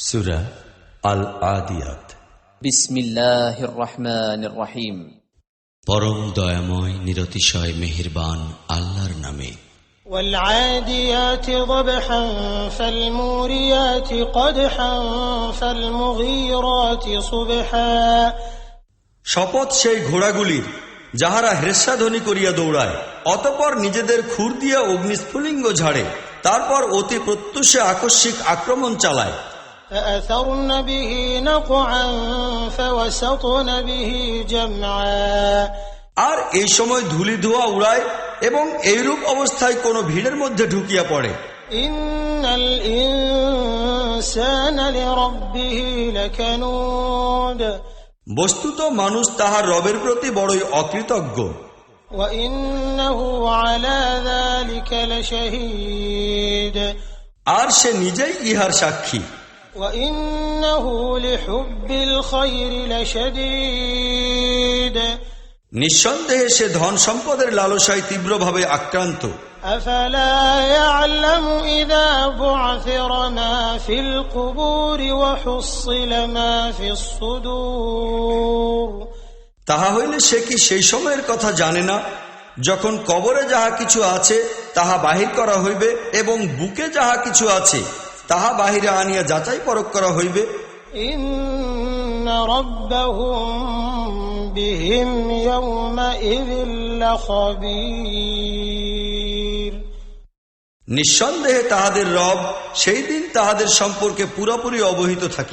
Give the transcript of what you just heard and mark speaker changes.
Speaker 1: সূরা আল আদিয়াত।
Speaker 2: বিসমিল্লাহির রহমানির রহিম।
Speaker 1: পরম দয়াময় নিরতিশয় মেহেরবান আল্লাহর নামে।
Speaker 3: والعاديات ضبحا فالموريات قدحا فالمغيرات صبحا।
Speaker 4: শপথ সেই ঘোড়াগুলির যাহারা হ্রেস্বাধ্বনি করিয়া দৌড়ায়, অতঃপর নিজেদের খুর দিয়া অগ্নিস্ফুলিঙ্গ ঝাড়ে, তারপর অতি প্রত্যুষে আকস্মিক আক্রমণ চালায়।
Speaker 3: فأثرن به نقعا فوسطن به جمعا।
Speaker 4: আর এই সময় ধূলি ধোঁয়া উড়ায় এবং এইরূপ অবস্থায় কোন ভিড়ের মধ্যে ঢুকিয়া পড়ে।
Speaker 3: ইন্নাল ইনসানা লিরাব্বিহি লাকানুদ।
Speaker 4: বস্তুত মানুষ তাহার রবের প্রতি বড়ই অকৃতজ্ঞ।
Speaker 3: ওয়া ইন্নাহু আলা যালিকা লাশাহীদ।
Speaker 4: আর সে নিজেই ইহার সাক্ষী।
Speaker 3: ওয়া ইন্নাহু লিহুব্বিল খায়রি লাশাদীদ।
Speaker 4: নিঃসন্দেহে সে ধন সম্পদের লালসায় তীব্রভাবে আক্রান্ত।
Speaker 3: আফালা ইয়ালামু ইযা বু'থিরা মা ফিল কুবুরি ওয়া হুসিলা মা ফিস সুদূর।
Speaker 4: তাহা হইলে সে কি সেই সময়ের কথা জানে না, যখন কবরে যাহা কিছু আছে তাহা বাহির করা হইবে এবং বুকে যাহা কিছু আছে তাহা বাহিরে আনিয়া যাচাই পরখ করা হইবে।
Speaker 3: ইন্না রাব্বাহুম বিহিম ইয়াওমাইযিন লাখাবীর।
Speaker 4: নিঃসন্দেহে তাহাদের রব সেই দিন তাহাদের সম্পর্কে পুরোপুরি অবহিত থাকে।